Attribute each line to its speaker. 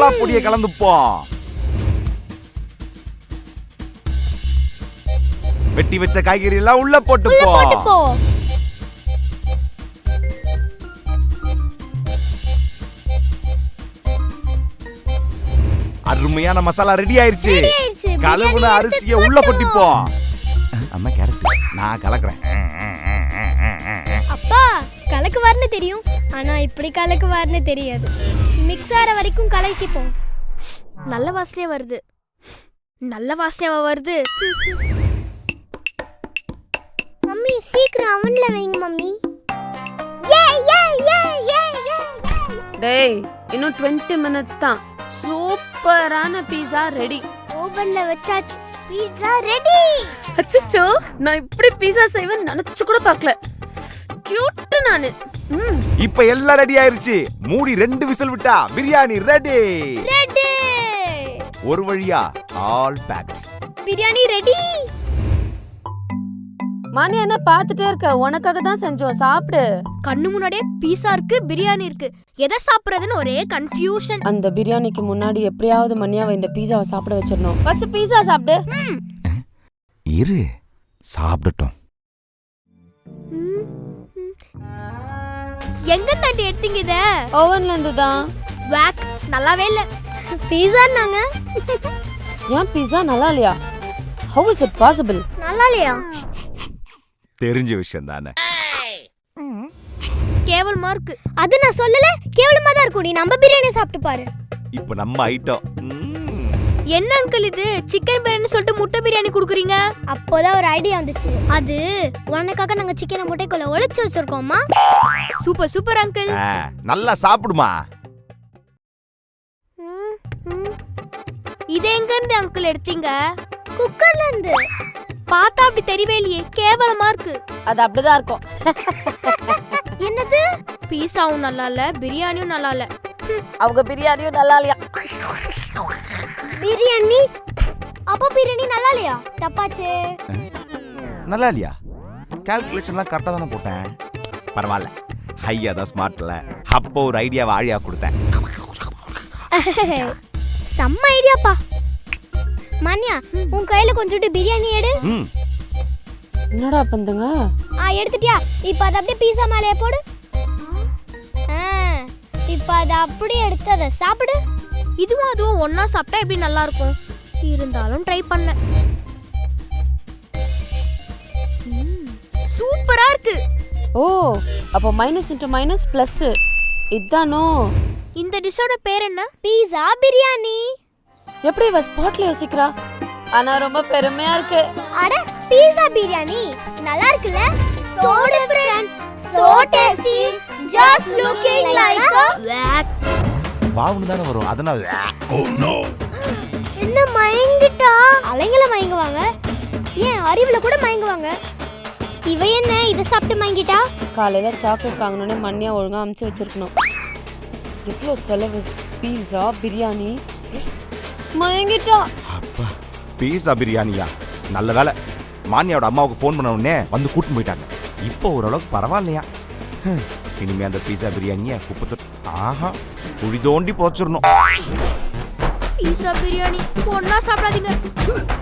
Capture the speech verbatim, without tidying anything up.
Speaker 1: மசாலா பொடியை கலந்துப்போம். வெட்டி வச்ச காய்கறி எல்லாம் உள்ள போட்டுப்போம். அருமையான மசாலா ரெடி ஆயிருச்சு. கலவுன அரிசியை உள்ள கொட்டிப்போம். அம்மா கேரட் நான் கலக்குறேன்.
Speaker 2: அப்பா கலக்குவார்னு தெரியும், ஆனா இப்படி கலக்குவார்னு தெரியாது. மிக்ஸ் ஆற வரைக்கும் கலக்கிப்போம். நல்ல வாசனையா வருது, நல்ல வாசனையா வருது. மம்மி சீக்கிரம் அவன்ல வைங்க மம்மி. ஏ ஏ ஏ ஏ ஏ.
Speaker 3: டேய் இன்னும் இருபது மினிட்ஸ் தான். சூப்பரான பீஸா ரெடி.
Speaker 2: ஓவன்ல வச்சாச்சு, பீட்சா ரெடி.
Speaker 3: அச்சச்சோ, நான் இப்படி பீஸா செய்வேன்னு நினைச்சு கூட பார்க்கல. கியூட் நானு.
Speaker 1: இப்ப எல்லாம் ரெடி ஆயிருச்சு. மூடி ரெண்டு விசில் விட்டா பிரியாணி ரெடி.
Speaker 2: ரெடி.
Speaker 1: ஒரு வழியா ஆல் பேக்ட்.
Speaker 2: பிரியாணி ரெடி.
Speaker 3: மானி என்ன பாத்துட்டே இருக்க? உனக்காக தான் செஞ்சோம், சாப்பிடு.
Speaker 2: கண்ணு முன்னாடியே பீஸா இருக்கு, பிரியாணி இருக்கு, எதை சாப்பிடுறதுன்னு ஒரே கன்ஃபியூஷன்.
Speaker 3: அந்த பிரியாணிக்கு முன்னாடி எப்படியாவது மணியாவை இந்த பீஸாவை சாப்பிட வச்சிடணும். ஃபர்ஸ்ட் பீஸா சாப்பிடு.
Speaker 1: இரு சாப்பிடட்டும்.
Speaker 2: எங்க தாண்டி எடுத்தீங்க இத?
Speaker 3: ஓவன்ல இருந்து தான்.
Speaker 2: வாக் நல்லாவே இல்ல. பீஸான்னாங்க.
Speaker 3: ஏன் பீஸா நல்லா இல்லையா? How is it possible?
Speaker 2: நல்லா இல்லையா?
Speaker 1: தெரிஞ்ச விஷயம் தானே.
Speaker 2: கேவலமா இருக்கு. அது நான் சொல்லல, கேவலமா தான் இருக்கும். நீ நம்ம பிரியாணி சாப்பிட்டு பாரு.
Speaker 1: இப்போ நம்ம ஐட்டம்.
Speaker 2: என்ன அங்கிள் இது சிக்கன் பிரியாணி சொல்லிட்டு முட்டை பிரியாணி குடுக்குறீங்க? அப்போதான் ஒரு ஐடியா வந்துச்சு. அது உனக்காக நாங்க சிக்கனை முட்டைக்குள்ள ஒளிச்சு வச்சிருக்கோம்மா. Super super uncle.
Speaker 1: நல்லா சாப்பிடுமா.
Speaker 2: இது எங்க இருந்து அங்கிள் எடுத்தீங்க? குக்கர்ல இருந்து. பார்த்தா அப்படி தெரியவே இல்லையே, கேவலமா இருக்கு.
Speaker 3: அது அப்படிதான் இருக்கும்.
Speaker 2: என்னது? பீஸாவும் நல்லா இல்ல, பிரியாணியும் நல்லா இல்ல.
Speaker 3: அவங்க பிரியாணியும் நல்லா இல்லையா?
Speaker 2: பிரியாணி அப்ப பிரியாணி நல்லா இல்லையா? தப்பாச்சு.
Speaker 1: நல்லா இல்லையா? கால்குலேஷன்லாம் கரெக்டா தானே போட்டேன். பரவாயில்ல, ஹையா தான் ஸ்மார்ட்ல. அப்போ ஒரு ஐடியாவை ஆழியா கொடுத்தேன்.
Speaker 2: செம்ம ஐடியாப்பா. மன்யா, உன் கையில கொஞ்சோண்டு பிரியாணி எடு.
Speaker 3: என்னடா பண்றீங்க?
Speaker 2: ஆ எடுத்துட்டியா? இப்போ அத அப்படியே பீஸா மேலே போடு. ஆ இப்போ அத அப்படியே எடுத்து அத சாப்பிடு. இதுவும் அதுவும் ஒண்ணா சாப்பிட்டா எப்படி நல்லா இருக்கும். இருந்தாலும் ட்ரை பண்ண. சூப்பரா இருக்கு.
Speaker 3: ஓ, அப்ப மைனஸ் இன்டு மைனஸ் பிளஸ். இதானோ?
Speaker 2: இந்த டிஷ்ஷோட பேர் என்ன? பீஸா பிரியாணி.
Speaker 3: எப்படி இவ ஸ்பாட்ல யோசிக்கிறா? ஆனா ரொம்ப பெருமையா இருக்கு.
Speaker 2: அட பீஸா பிரியாணி நல்லா இருக்குல? So different, so tasty, just looking like a
Speaker 1: வாவுன்னு தான வரும். அதனால oh no.
Speaker 2: என்ன மயங்கிட்டா? அலைங்கள மயங்குவாங்க. ஏன் அறிவுல கூட மயங்குவாங்க. இவ என்ன இத சாப்பிட்டு மயங்கிட்டா?
Speaker 3: காலையில சாக்லேட் வாங்கணும்னே மண்ணியா ஒழுங்கா அமுச்சு வச்சிருக்கணும். எவ்வளோ செலவு. பீஸா பிரியாணி மயங்கிட்டா.
Speaker 1: அப்பா பீஸா பிரியாணியா? நல்ல வேலை, மானியாவோட அம்மாவுக்கு ஃபோன் பண்ண உடனே வந்து கூட்டிட்டு போயிட்டாங்க. இப்போ ஓரளவுக்கு பரவாயில்லையா? இனிமே அந்த பீஸா பிரியாணியை குப்பத்து ஆஹா குழி தோண்டி போச்சிடணும்.
Speaker 2: பீஸா பிரியாணி ஒண்ணா சாப்பிடாதீங்க.